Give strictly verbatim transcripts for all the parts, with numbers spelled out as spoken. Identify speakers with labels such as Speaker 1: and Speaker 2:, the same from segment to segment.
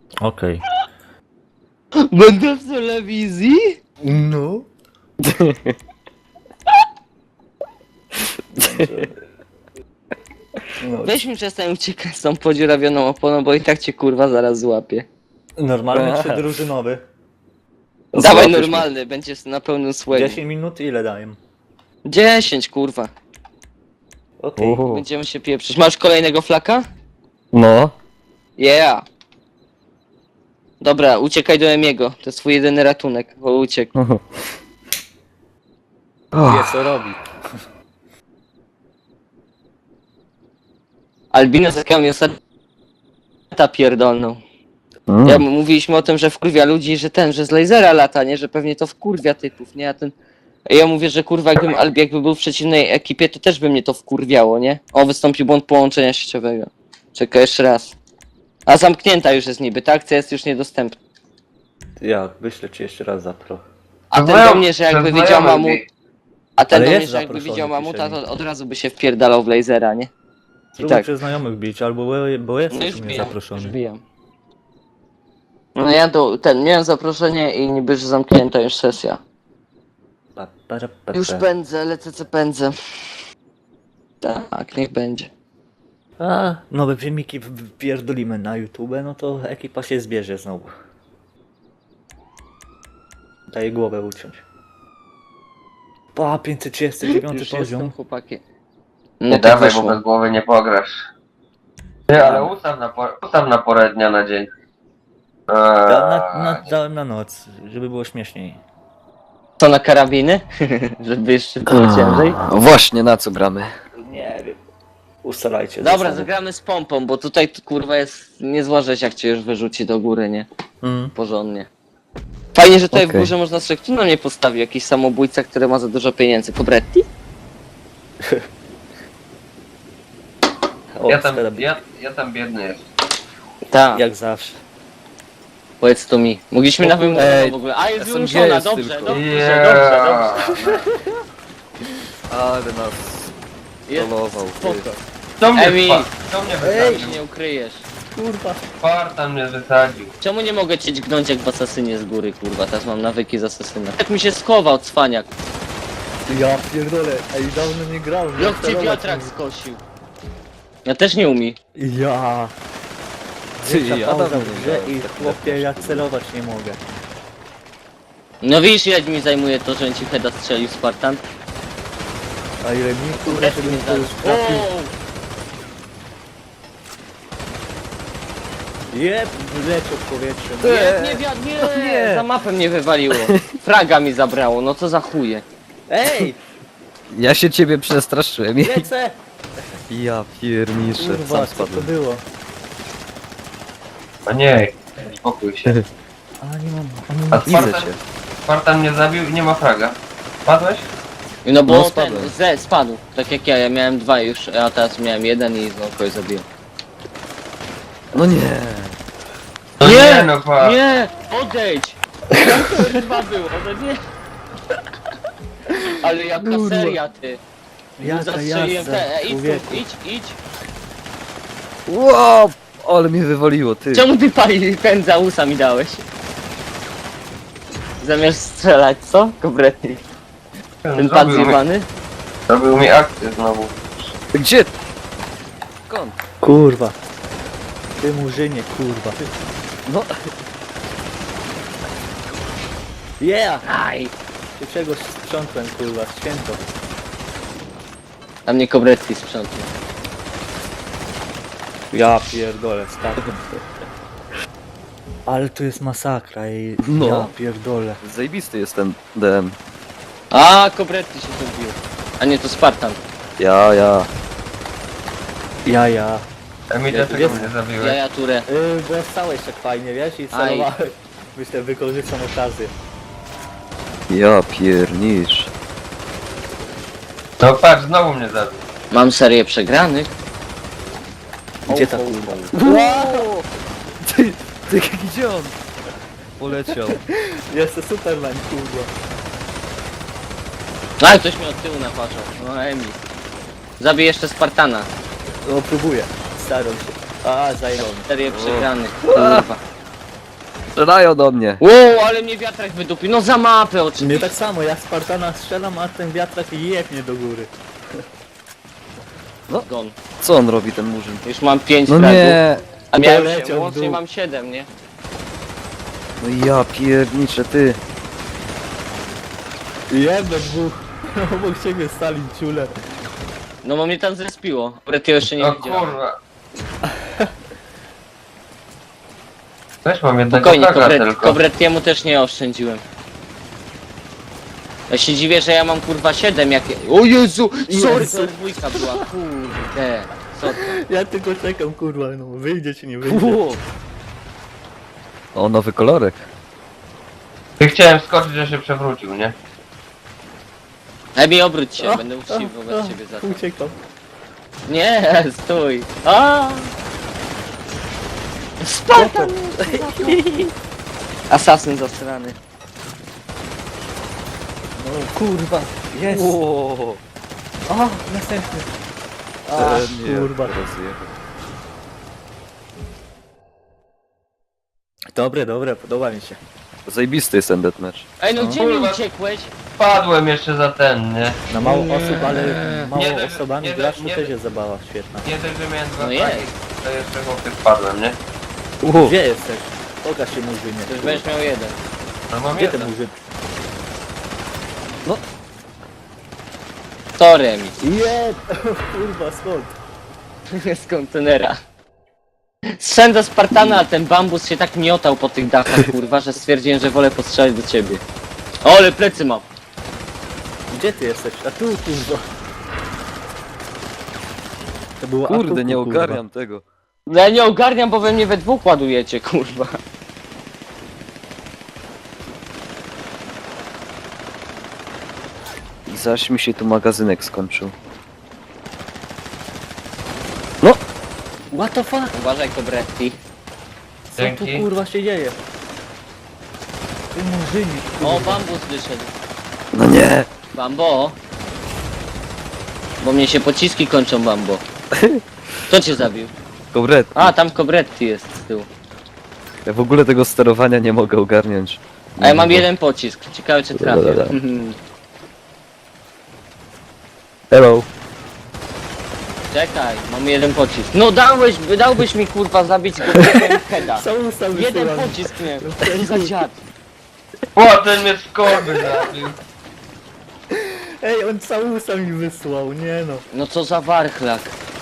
Speaker 1: Okej.
Speaker 2: Będę w telewizji?
Speaker 1: No. No.
Speaker 2: Weź mi przestań uciekać z tą podziurawioną oponą, bo i tak cię kurwa zaraz złapie.
Speaker 1: Normalny czy drużynowy?
Speaker 2: Dawaj
Speaker 3: Złapiesz mnie.
Speaker 2: normalny, będziesz na pełnym swęgu.
Speaker 1: dziesięć minut ile daję?
Speaker 2: dziesięć kurwa.
Speaker 1: Okej.
Speaker 3: Uhu.
Speaker 2: Będziemy się pieprzyć. Masz kolejnego flaka?
Speaker 3: No.
Speaker 2: Yeah. Dobra, uciekaj do Emiego. To jest twój jedyny ratunek, bo uciekł.
Speaker 1: Wie co robi.
Speaker 2: Albino zatkał mi ostatnio pierdolną.
Speaker 3: Mm.
Speaker 2: Ja mówiliśmy o tym, że wkurwia ludzi, że ten, że z lasera lata, nie? Że pewnie to wkurwia typów, nie? A ten... A ja mówię, że kurwa jakbym Albi jakby był w przeciwnej ekipie, to też by mnie to wkurwiało, nie? O, wystąpił błąd połączenia sieciowego. Czekaj jeszcze raz. A zamknięta już jest niby, ta akcja jest już niedostępna.
Speaker 1: Ja wyślę ci jeszcze raz zapro.
Speaker 2: A ten do mnie, że jakby
Speaker 4: Znajomych
Speaker 2: widział mamut...
Speaker 4: mi-
Speaker 2: A ten
Speaker 1: Ale
Speaker 2: do
Speaker 1: jest
Speaker 2: mnie, że jakby
Speaker 1: zaproszony,
Speaker 2: widział mamuta,
Speaker 1: pisze
Speaker 2: to od razu by się wpierdalał w lasera, nie? I
Speaker 1: Spróbuj
Speaker 2: tak.
Speaker 1: przez znajomych bić, albo bo, bo
Speaker 2: No
Speaker 1: jesteś
Speaker 2: już
Speaker 1: u mnie
Speaker 2: bijam, już
Speaker 1: zaproszony.
Speaker 2: bijam. No ja do, ten, miałem zaproszenie i niby, że zamknięta już sesja.
Speaker 1: Pa, para, pa,
Speaker 2: Już
Speaker 1: pa.
Speaker 2: pędzę, lecę co pędzę. Tak, niech będzie.
Speaker 1: A, nowe filmiki pierdolimy na YouTube, no to ekipa się zbierze znowu. Daję głowę uciąć. Pa, pięćset trzydziesty dziewiąty
Speaker 2: Już
Speaker 1: poziom.
Speaker 2: jestem, chłopaki.
Speaker 4: Nie
Speaker 2: No to
Speaker 4: dawaj, bo
Speaker 2: wyszło.
Speaker 4: bez głowy nie pograsz. Nie, ale ustaw na, por- ustaw na porę dnia na dzień. Eee,
Speaker 1: Ja na, na, dałem na noc, żeby było śmieszniej.
Speaker 2: Co na karabiny? Żeby jeszcze było ciężej?
Speaker 3: A, właśnie, na co gramy?
Speaker 1: Nie wiem. Ustalajcie.
Speaker 2: Dobra,
Speaker 1: zasady.
Speaker 2: zagramy z pompą, bo tutaj tu, kurwa jest niezła rzecz, jak cię już wyrzuci do góry, nie?
Speaker 1: Mm.
Speaker 2: Porządnie. Fajnie, że tutaj w
Speaker 3: Okej.
Speaker 2: górze można sobie... Kto na mnie postawił? Jakiś samobójca, który ma za dużo pieniędzy. Pobretti?
Speaker 1: O,
Speaker 4: ja, tam,
Speaker 1: skarab-
Speaker 4: ja, ja tam biedny jest.
Speaker 2: Tak,
Speaker 1: Jak zawsze.
Speaker 2: powiedz to mi. Mogliśmy
Speaker 1: O
Speaker 2: na
Speaker 1: kurde.
Speaker 2: wymuszona
Speaker 3: Ej,
Speaker 2: w ogóle. A, jest
Speaker 3: S M G
Speaker 2: wymuszona,
Speaker 3: jest
Speaker 2: dobrze,
Speaker 3: tylko.
Speaker 2: dobrze,
Speaker 4: Yeah.
Speaker 2: dobrze, dobrze.
Speaker 3: Ale nas
Speaker 2: Jest
Speaker 3: trollował, ty.
Speaker 2: spoko.
Speaker 4: Kto mnie,
Speaker 2: Emi.
Speaker 4: wpa- kto mnie
Speaker 2: Ej,
Speaker 4: wysadził?
Speaker 2: nie ukryjesz.
Speaker 1: Kurwa.
Speaker 4: Spartan mnie wysadził.
Speaker 2: Czemu nie mogę cię dźgnąć jak w Asasynie z góry, kurwa? Teraz mam nawyki z Asasyna. Jak mi się schował, cwaniak.
Speaker 1: Ja pierdolę, ej, dawno nie grałem.
Speaker 2: Jak cię wiatrak skosił. Ja też nie umie.
Speaker 1: Ja.
Speaker 3: Ty,
Speaker 1: Większa
Speaker 3: ja
Speaker 1: pauza
Speaker 3: dawno
Speaker 1: w
Speaker 3: nie
Speaker 1: grze
Speaker 3: grałem
Speaker 1: i
Speaker 3: w tak
Speaker 1: chłopie, ja celować nie mogę.
Speaker 2: No widzisz, ile mi zajmuje to, że ci heada strzelił Spartan?
Speaker 1: A ile mi kurwa, żebym to już trafił. Jeb, wleciał w powietrze.
Speaker 2: Nie, nie, wiatr, nie,
Speaker 1: Nie.
Speaker 2: za mapę mnie wywaliło. Fraga mi zabrało, no co za chuje.
Speaker 1: Ej,
Speaker 3: Ja się ciebie przestraszyłem.
Speaker 1: lecę!
Speaker 3: Ja pierniczę,
Speaker 1: Kurwa,
Speaker 3: sam
Speaker 1: co to
Speaker 3: spadłem.
Speaker 1: było?
Speaker 4: A nie, spokój się.
Speaker 1: A nie mam, a nie
Speaker 4: A
Speaker 1: mam.
Speaker 3: Widzę
Speaker 4: Spartan,
Speaker 3: cię.
Speaker 4: Spartan mnie zabił i nie ma fraga. Padłeś?
Speaker 2: No bo
Speaker 3: No,
Speaker 2: ten,
Speaker 3: spadłem.
Speaker 2: Z spadł, tak jak ja, ja miałem dwa już, a teraz miałem jeden i znowu kogoś zabiłem.
Speaker 3: No nie.
Speaker 4: No
Speaker 2: Nie,
Speaker 4: nie, no pa.
Speaker 2: Nie, odejdź! To dwa było, no nie. Ale jaka
Speaker 1: Kurwa.
Speaker 2: seria, ty.
Speaker 1: Jaka
Speaker 2: Zastrzeliłem
Speaker 1: jazda,
Speaker 2: te, e, idź tu,
Speaker 1: człowieku.
Speaker 2: idź, idź.
Speaker 3: Wow, ale mnie wywaliło, ty.
Speaker 2: Czemu ty pali pędza usa mi dałeś? Zamiast strzelać, co? Kompletnie. Ten pan
Speaker 4: Zrobił mi,
Speaker 2: zjebany?
Speaker 4: zrobił mi akcję znowu.
Speaker 3: Gdzie? Skąd?
Speaker 1: Kurwa. Ty murzynie, kurwa.
Speaker 3: No,
Speaker 1: Yeah!
Speaker 2: Aj!
Speaker 1: Ty czegoś sprzątłem, kurwa, święto.
Speaker 2: A mnie Kobretti sprzątnie.
Speaker 1: Ja pierdolę, spadłem. Ale tu jest masakra i
Speaker 3: No.
Speaker 1: ja pierdolę.
Speaker 3: zajebisty jest ten D M.
Speaker 2: A, Kobretti się tu bił. A nie, to Spartan.
Speaker 3: Ja, ja.
Speaker 1: Ja, ja.
Speaker 4: Emi, dlaczego
Speaker 1: jest-
Speaker 4: mnie
Speaker 2: Ja,
Speaker 4: zabiłeś?
Speaker 2: ja, Ture.
Speaker 1: Yy, bo stałeś tak fajnie, wiesz, i celowałem. Myślę, wykorzystam okazję.
Speaker 3: Ja piernicz.
Speaker 4: No patrz, znowu mnie zabił.
Speaker 2: Mam serię przegranych.
Speaker 1: Gdzie ta
Speaker 2: O, o,
Speaker 1: kurwa?
Speaker 3: Wow! Ty, ty, gdzie on? Poleciał.
Speaker 1: Jestem Superman, kurwa.
Speaker 2: Ale ktoś mnie od tyłu napatrzał. No, Emi. Zabij jeszcze Spartana.
Speaker 1: No próbuję, staram się. A, zajebał mnie.
Speaker 2: Serię przegranych. Kurwa.
Speaker 3: Strzelają do mnie.
Speaker 2: Wow, ale mnie wiatrak wydupił. No za mapę
Speaker 1: Mnie
Speaker 2: oczywiście.
Speaker 1: tak samo, ja Spartana strzelam, a ten wiatrak jebnie do góry.
Speaker 2: Gon.
Speaker 3: Co on robi, ten murzyn?
Speaker 2: Już mam pięć
Speaker 3: No
Speaker 2: fragów.
Speaker 3: nie.
Speaker 2: A miałem
Speaker 1: Poleciał
Speaker 2: się,
Speaker 1: w
Speaker 2: łącznie
Speaker 1: dół.
Speaker 2: mam siedem, nie?
Speaker 3: No ja pierniczę, ty.
Speaker 1: Jebę dwóch. Obok ciebie stali ciule.
Speaker 2: No bo mnie tam zrespiło. Bret, ja jeszcze nie
Speaker 4: O
Speaker 2: widziałem.
Speaker 4: kurwa. Też mam jednego
Speaker 2: Spokojnie,
Speaker 4: fraga
Speaker 2: Kobret,
Speaker 4: tylko.
Speaker 2: Kobretiemu też nie oszczędziłem. Ja się dziwię, że ja mam kurwa siedem jak... O Jezu! Sorry,
Speaker 1: Jezu.
Speaker 2: to dwójka była, kurde. Co to?
Speaker 1: Ja tylko czekam, kurwa, no wyjdzie czy nie wyjdzie.
Speaker 2: Fu.
Speaker 3: O, nowy kolorek.
Speaker 4: Ty chciałem skoczyć, że się przewrócił, nie?
Speaker 2: Lepiej obróć się,
Speaker 1: O,
Speaker 2: będę
Speaker 1: o,
Speaker 2: uczciwy wobec
Speaker 1: o,
Speaker 2: ciebie za to.
Speaker 1: Uciekam.
Speaker 2: Nie, stój. A! Spartan! Asasyn zasrany.
Speaker 1: No kurwa, jest.
Speaker 3: Ło.
Speaker 1: O, następny. A,
Speaker 3: Ten nie,
Speaker 1: kurwa.
Speaker 3: rozjechał.
Speaker 1: Dobre, dobre, podoba mi się.
Speaker 3: Zajebisty jest ten deathmatch.
Speaker 2: Ej, no
Speaker 1: No.
Speaker 2: gdzie mi
Speaker 4: Kurwa.
Speaker 2: uciekłeś?
Speaker 4: Padłem jeszcze za ten, nie?
Speaker 1: Na mało
Speaker 2: Nie.
Speaker 1: osób, ale mało
Speaker 4: Nie, nie,
Speaker 1: osobami
Speaker 4: nie,
Speaker 1: gracz to
Speaker 4: nie.
Speaker 1: też jest zabawa świetna.
Speaker 4: Nie dość, że miałem dwa
Speaker 2: No
Speaker 4: fragi,
Speaker 2: jest.
Speaker 4: to jeszcze chłopie wpadłem, nie?
Speaker 3: Uhu.
Speaker 1: Gdzie jesteś? Pokaż się murzynie.
Speaker 2: To już będziesz miał jeden.
Speaker 4: No mam
Speaker 1: Gdzie ten
Speaker 4: jeden.
Speaker 1: murzyn?
Speaker 2: To remis.
Speaker 1: Jeb! Kurwa, skąd?
Speaker 2: Z kontenera. Strzęłem do Spartana, a ten bambus się tak miotał po tych dachach, kurwa, że stwierdziłem, że wolę postrzelać do ciebie. O, ale plecy mam.
Speaker 1: Gdzie ty jesteś? A tu, kurwa. To było
Speaker 3: Kurde,
Speaker 1: atuku,
Speaker 3: nie
Speaker 1: kurwa.
Speaker 3: ogarniam tego.
Speaker 2: No ja nie ogarniam, bo we mnie we dwóch ładujecie, kurwa.
Speaker 3: I zaś mi się tu magazynek skończył.
Speaker 1: What the fuck?
Speaker 2: Uważaj, Kobretti.
Speaker 1: Co tu
Speaker 4: Dzięki.
Speaker 1: kurwa się dzieje? Ty murzyni,
Speaker 2: O,
Speaker 1: kurwa.
Speaker 2: bambus wyszedł.
Speaker 3: No nie.
Speaker 2: Bambo. Bo mnie się pociski kończą, Bambo. Kto cię zabił?
Speaker 3: Kobret.
Speaker 2: A, tam Kobretti jest z tyłu.
Speaker 3: Ja w ogóle tego sterowania nie mogę ogarniać.
Speaker 2: A ja mam jeden pocisk. Ciekawe, czy trafię.
Speaker 3: Dobra, dobra.
Speaker 2: Mhm.
Speaker 3: Hello.
Speaker 2: Czekaj, mam jeden pocisk. No dałeś, dałbyś mi kurwa zabić go w heada.
Speaker 1: Są ustały
Speaker 2: Jeden
Speaker 1: strony.
Speaker 2: pocisk mnie. Co za dziad.
Speaker 4: O, ten mnie z korby zabił.
Speaker 1: Ej, on całusa mi wysłał, nie no.
Speaker 2: No co za warchlak.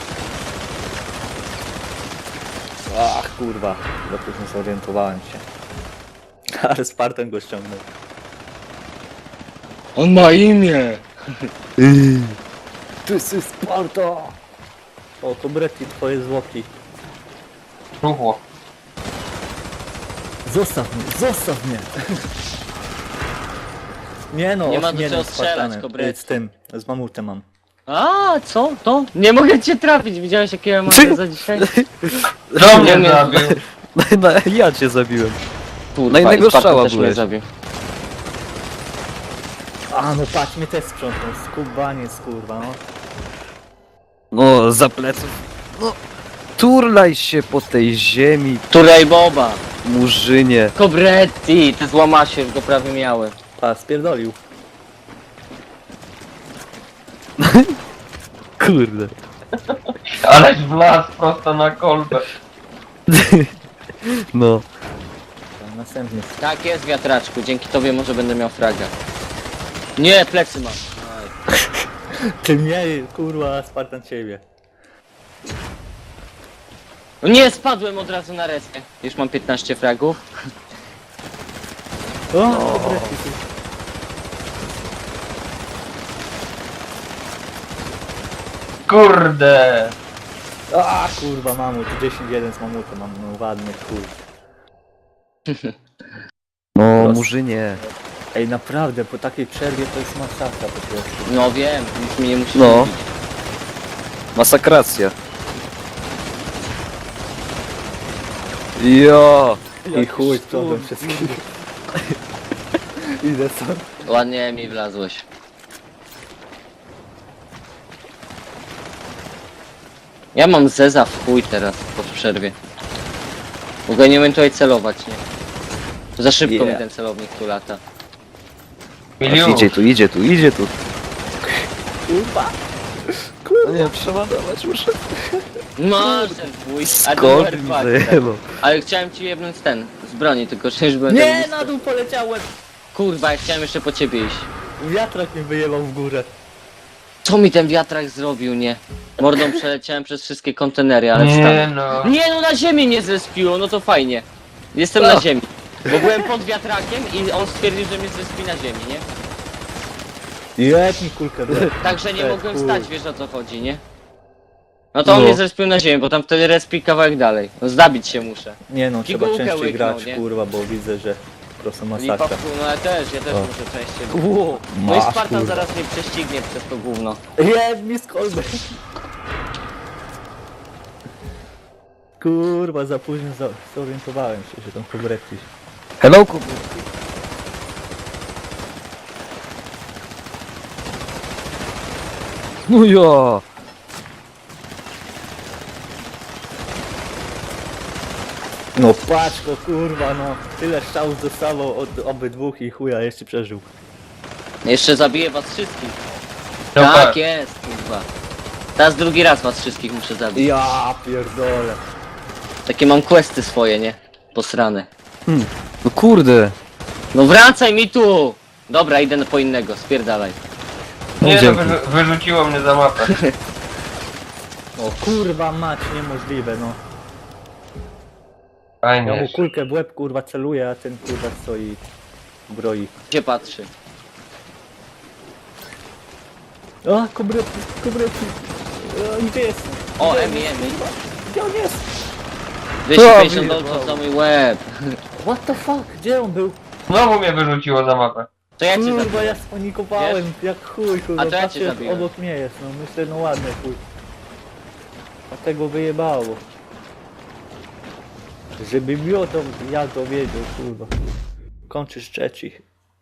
Speaker 1: Ach kurwa, za późno zorientowałem się. Ale Spartan go ściągnął.
Speaker 2: On ma imię.
Speaker 1: Ty jesteś Sparta! O, to Bretti, twoje zwłoki.
Speaker 4: Ruchło.
Speaker 1: Zostaw mnie, zostaw mnie! Nie no,
Speaker 2: Nie ma do
Speaker 1: ośmielny
Speaker 2: czego
Speaker 1: z
Speaker 2: strzelać,
Speaker 1: Spartanem.
Speaker 2: Kobretti.
Speaker 1: Z tym, z mamutem mam.
Speaker 2: A, co? To? Nie mogę cię trafić. Widziałeś jakie ja mam za dzisiaj?
Speaker 4: Kto mnie
Speaker 2: Nie,
Speaker 4: zabił?
Speaker 3: No, no, ja cię zabiłem.
Speaker 2: Kurwa,
Speaker 3: Na innego
Speaker 2: i Spartan
Speaker 3: strzała
Speaker 2: też mnie
Speaker 3: byłeś.
Speaker 2: zabił.
Speaker 1: A no patrz, mnie też sprzątnął, skubaniec kurwa no.
Speaker 3: No, za pleców. No, turlaj się po tej ziemi,
Speaker 2: Turaj Boba.
Speaker 3: murzynie.
Speaker 2: Kobretti, te złamasie go prawie miały.
Speaker 1: Pa, spierdolił.
Speaker 3: Kurde.
Speaker 4: Aleś wlazł prosto na kolbę.
Speaker 3: No.
Speaker 1: Tam następny.
Speaker 2: Tak jest, wiatraczku. Dzięki tobie może będę miał fraga. Nie, plecy mam. Aj.
Speaker 1: Ty mnie, kurwa, Spartan ciebie.
Speaker 2: No nie, spadłem od razu na reskę. Już mam piętnaście fragów.
Speaker 1: O, o. Bretti, ty.
Speaker 4: Kurde.
Speaker 1: A kurwa, mamut, dziesięć jeden z mamutem mam, no ładny chuj.
Speaker 3: No,
Speaker 1: Los.
Speaker 3: murzynie.
Speaker 1: Ej, naprawdę, po takiej przerwie to jest masakra po prostu.
Speaker 2: No wiem, nic mi nie musi
Speaker 3: No.
Speaker 2: mówić.
Speaker 3: Masakracja. Jo.
Speaker 1: I chuj, to wszystkich. Idę stąd.
Speaker 2: Ładnie mi wlazłeś. Ja mam zeza w chuj teraz po przerwie. Mogę nie umiem tutaj celować, nie? Za szybko
Speaker 1: Yeah.
Speaker 2: mi ten celownik tu lata.
Speaker 4: Milion.
Speaker 3: Idzie tu, idzie tu, idzie tu.
Speaker 1: Kurwa!
Speaker 3: No nie, przeładować muszę.
Speaker 2: Masz ten twój, a
Speaker 3: Skąd
Speaker 2: numer
Speaker 3: mi
Speaker 2: dwa,
Speaker 3: zajęło?
Speaker 2: ale chciałem ci jebnąć ten, z broni, tylko że już byłem
Speaker 1: Nie,
Speaker 2: tak
Speaker 1: na
Speaker 2: blisko.
Speaker 1: dół poleciałem!
Speaker 2: Kurwa, ja chciałem jeszcze po ciebie iść.
Speaker 1: Wiatrak mnie wyjebał w górę.
Speaker 2: Co mi ten wiatrak zrobił, nie? Mordą przeleciałem przez wszystkie kontenery, ale
Speaker 4: Nie
Speaker 2: wstanę.
Speaker 4: no.
Speaker 2: Nie no, na ziemi nie zespiło, no to fajnie. Jestem
Speaker 1: Co?
Speaker 2: na ziemi. Bo byłem pod wiatrakiem i on stwierdził, że mnie zespi na ziemi, nie?
Speaker 1: Jeb mi kulkę, do.
Speaker 2: Także nie
Speaker 1: E,
Speaker 2: mogłem
Speaker 1: kur-
Speaker 2: stać, wiesz o co chodzi, nie? No to on
Speaker 3: No.
Speaker 2: mnie zespił na ziemi, bo tam wtedy respi kawałek dalej. No zdabić się muszę.
Speaker 1: Nie no, trzeba
Speaker 2: Pigułkę
Speaker 1: częściej
Speaker 2: łyknął,
Speaker 1: grać,
Speaker 2: nie?
Speaker 1: kurwa, bo widzę, że po prostu
Speaker 2: Lipa
Speaker 1: masakra.
Speaker 2: w pół, no ja też, ja też
Speaker 1: O.
Speaker 2: muszę częściej.
Speaker 1: Ło,
Speaker 2: No i
Speaker 1: masz,
Speaker 2: Spartan
Speaker 1: kurwa.
Speaker 2: zaraz mnie prześcignie przez to gówno.
Speaker 1: Jeb mi z kolby. Kurwa, za późno za- zorientowałem się, że tam pobrekisz.
Speaker 3: Hello, Kubu. No ja.
Speaker 1: No patrz go, kurwa, no. Tyle strzałów dostawał od obydwóch i chuja jeszcze przeżył.
Speaker 2: Jeszcze zabiję was wszystkich.
Speaker 4: No
Speaker 2: Tak
Speaker 4: tak.
Speaker 2: jest, kurwa. Teraz drugi raz was wszystkich muszę zabić.
Speaker 1: Ja pierdolę.
Speaker 2: Takie mam questy swoje, nie? Posrane.
Speaker 3: No kurde.
Speaker 2: No wracaj mi tu! Dobra, idę po innego, spierdalaj.
Speaker 3: No
Speaker 4: Nie no,
Speaker 3: dzięki.
Speaker 4: wyrzu- wyrzuciło mnie za mapę.
Speaker 1: O kurwa mać, niemożliwe, no. Ja mu
Speaker 4: Fajnie.
Speaker 1: kulkę w łeb, kurwa, celuje, a ten kurwa stoi broi.
Speaker 2: Gdzie patrzy?
Speaker 1: O, kobrety, kobrety. O, gdzie jest?
Speaker 2: O,
Speaker 1: Gdzie
Speaker 2: Emi,
Speaker 1: jest?
Speaker 2: Emi.
Speaker 1: Gdzie on jest?
Speaker 2: dwieście pięćdziesiąt
Speaker 3: Wow.
Speaker 2: dolców za mój łeb.
Speaker 1: What the fuck? Gdzie on był?
Speaker 4: Znowu mnie wyrzuciło za mapę.
Speaker 2: To ja cię
Speaker 1: Kurwa,
Speaker 2: zabiję.
Speaker 1: ja spanikowałem, jak chuj, kurwa,
Speaker 2: A to ja cię
Speaker 1: patrzę,
Speaker 2: zabiłem.
Speaker 1: obok mnie jest, no myślę, no ładny chuj. A tego wyjebało. Żeby miotą, ja to wiedział, kurwa. Kończysz trzeci.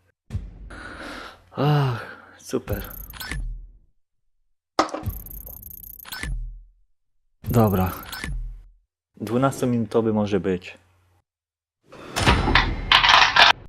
Speaker 1: Ach, super. Dobra. dwunastominutowy może być.